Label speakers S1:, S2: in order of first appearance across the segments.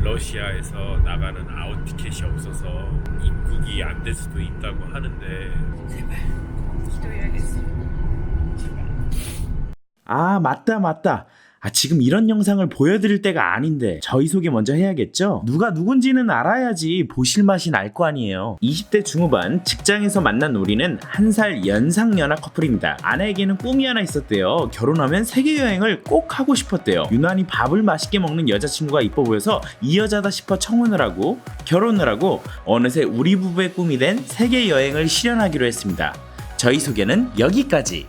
S1: 러시아에서 나가는 아웃 티켓이 없어서 입국이 안 될 수도 있다고 하는데
S2: 제발 기도해야겠어. 제발.
S3: 아, 맞다. 지금 이런 영상을 보여드릴 때가 아닌데 저희 소개 먼저 해야겠죠? 누가 누군지는 알아야지 보실 맛이 날 거 아니에요. 20대 중후반 직장에서 만난 우리는 한 살 연상 연하 커플입니다. 아내에게는 꿈이 하나 있었대요. 결혼하면 세계여행을 꼭 하고 싶었대요. 유난히 밥을 맛있게 먹는 여자친구가 이뻐 보여서 이 여자다 싶어 청혼을 하고 결혼을 하고 어느새 우리 부부의 꿈이 된 세계여행을 실현하기로 했습니다. 저희 소개는 여기까지.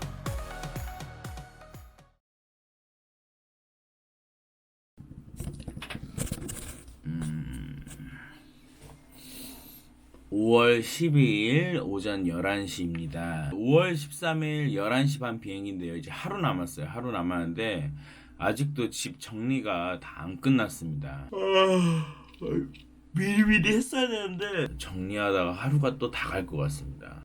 S3: 5월 12일 오전 11시입니다. 5월 13일 11시 반 비행인데요. 이제 하루 남았어요. 하루 남았는데 아직도 집 정리가 다 안 끝났습니다. 미리미리 했어야 되는데 정리하다가 하루가 또 다 갈 것 같습니다.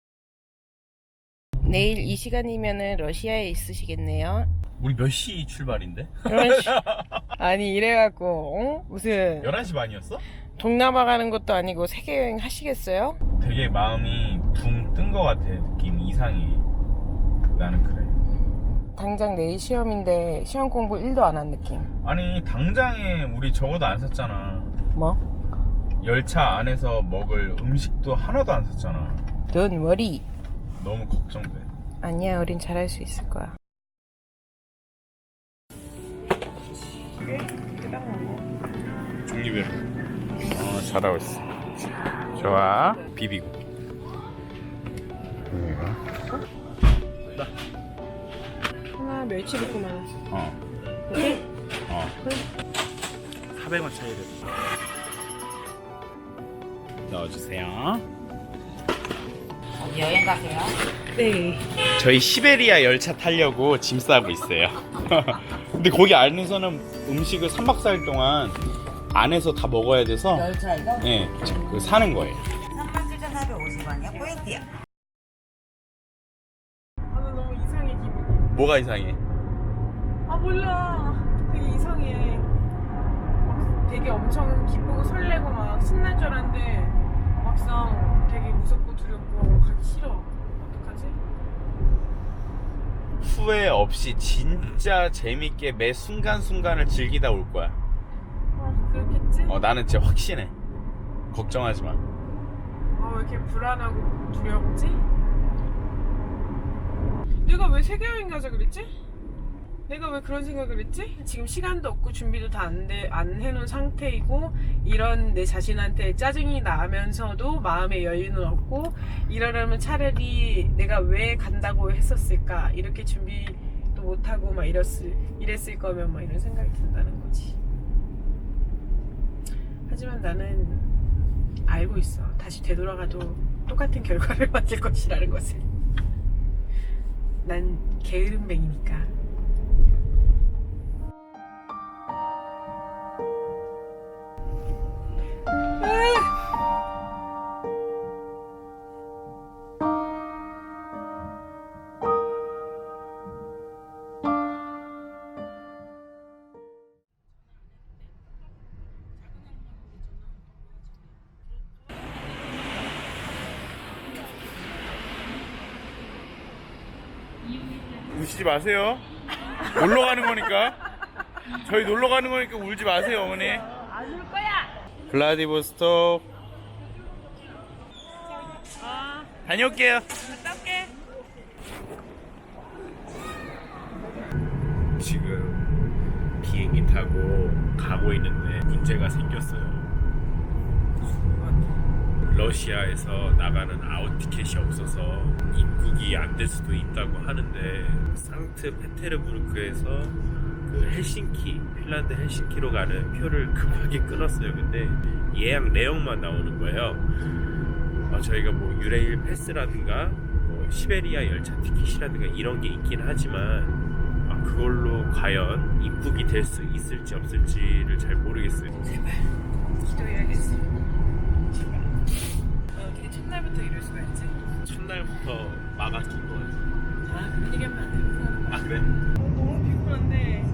S2: 내일 이 시간이면은 러시아에 있으시겠네요.
S1: 우리 몇 시 출발인데?
S2: 아니 이래갖고 어? 무슨
S1: 11시 반이었어?
S2: 동남아 가는 것도 아니고 세계여행 하시겠어요?
S1: 되게 마음이 붕 뜬 것 같아. 느낌 이상해. 나는 그래.
S2: 당장 내일 시험인데 시험 공부 1도 안 한 느낌.
S1: 아니 당장에 우리 적어도 안 샀잖아.
S2: 뭐?
S1: 열차 안에서 먹을 음식도 하나도 안 샀잖아.
S2: Don't worry.
S1: 너무 걱정돼.
S2: 아니야, 우린 잘할 수 있을 거야.
S1: 종류별로. 잘하고 있어. 좋아. 비비고.
S2: 하나 멸치 볶음만.
S1: 400원 차이를 넣어주세요.
S4: 여행 가세요?
S2: 네.
S1: 저희 시베리아 열차 타려고 짐 싸고 있어요. 근데 거기 안에서는 음식을 3박 4일 동안 안에서 다 먹어야 돼서
S4: 열차이가?
S1: 네, 그 사는 거예요.
S4: 37,450원이요. 포인트요.
S2: 아, 나 너무 이상해 기분이.
S1: 뭐가 이상해?
S2: 아 몰라. 되게 이상해. 막 되게 엄청 기쁘고 설레고 막 신날 줄 알았는데 막상 되게 무섭고 두렵고 가기 싫어. 어떡하지?
S1: 후회 없이 진짜 재밌게 매 순간순간을 즐기다 올 거야.
S2: 아 그렇겠지?
S1: 나는 진짜 확신해. 걱정하지 마.
S2: 아 왜 이렇게 불안하고 두렵지? 내가 왜 세계여행 가자 그랬지? 내가 왜 그런 생각을 했지? 지금 시간도 없고 준비도 다 안 해놓은 상태이고 이런 내 자신한테 짜증이 나면서도 마음의 여유는 없고 이러려면 차라리 내가 왜 간다고 했었을까 이렇게 준비도 못하고 막 이랬을 거면 막 이런 생각이 든다는 거지. 하지만 나는 알고 있어. 다시 되돌아가도 똑같은 결과를 맞을 것이라는 것을. 난 게으름뱅이니까.
S1: 우시지 마세요. 놀러 가는 거니까. 저희 놀러 가는 거니까 울지 마세요, 어머니.
S2: 안 울 거야.
S1: 블라디보스톡. 다녀올게요.
S2: 갔다 올게.
S1: 지금 비행기 타고 가고 있는데 문제가 생겼어요. 러시아에서 나가는 아웃 티켓이 없어서 입국이 안 될 수도 있다고 하는데 상트페테르부르크에서 그 헬싱키, 핀란드 헬싱키로 가는 표를 급하게 끊었어요. 근데 예약 내역만 나오는 거예요. 저희가 뭐 유레일 패스라든가 뭐 시베리아 열차 티켓이라든가 이런 게 있긴 하지만 그걸로 과연 입국이 될 수 있을지 없을지를 잘 모르겠어요.
S2: 제발 기도해야겠어. 제발. 어떻게 첫날부터 이럴 수가 있지?
S1: 첫날부터 막아낀 거 같아.
S2: 그런 얘기하면 안 돼.
S1: 그래?
S2: 너무 피곤한데